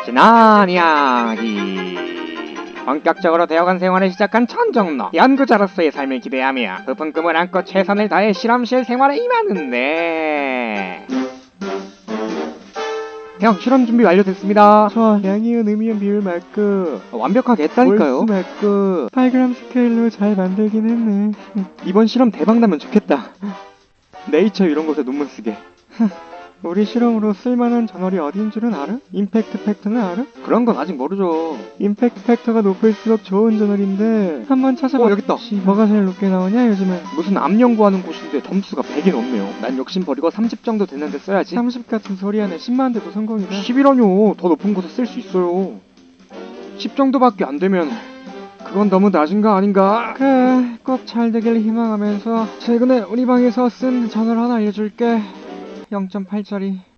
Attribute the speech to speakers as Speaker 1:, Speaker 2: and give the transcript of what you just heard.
Speaker 1: 지난 이야기. 본격적으로 대학원 생활을 시작한 천정로. 연구자로서의 삶을 기대하며 높은 꿈을 안고 최선을 다해 실험실 생활에 임하는데, 형, 실험 준비 완료됐습니다.
Speaker 2: 저 양이온, 음이온, 비율 맞고
Speaker 1: 완벽하게 했다니까요.
Speaker 2: 월수 맞고 8g 스케일로 잘 만들긴 했네.
Speaker 1: 이번 실험 대박 나면 좋겠다. 네이처 이런 곳에 논문 쓰게.
Speaker 2: 우리 실험으로 쓸만한 저널이 어디인 줄은 알아? 임팩트 팩터는 알아?
Speaker 1: 그런 건 아직 모르죠.
Speaker 2: 임팩트 팩터가 높을수록 좋은 저널인데 한번 찾아봐.
Speaker 1: 여기 있다.
Speaker 2: 뭐가 제일 높게 나오냐 요즘은?
Speaker 1: 무슨 암 연구하는 곳인데 점수가 100이 넘네요. 난 욕심 버리고 30 정도 됐는데 써야지.
Speaker 2: 30 같은 소리 하네. 10만 대도 성공이다.
Speaker 1: 10이라뇨. 더 높은 곳에 쓸 수 있어요. 10 정도밖에 안 되면 그건 너무 낮은 거 아닌가?
Speaker 2: 그래, 꼭 잘 되길 희망하면서 최근에 우리 방에서 쓴 저널 하나 알려줄게. 0.8짜리.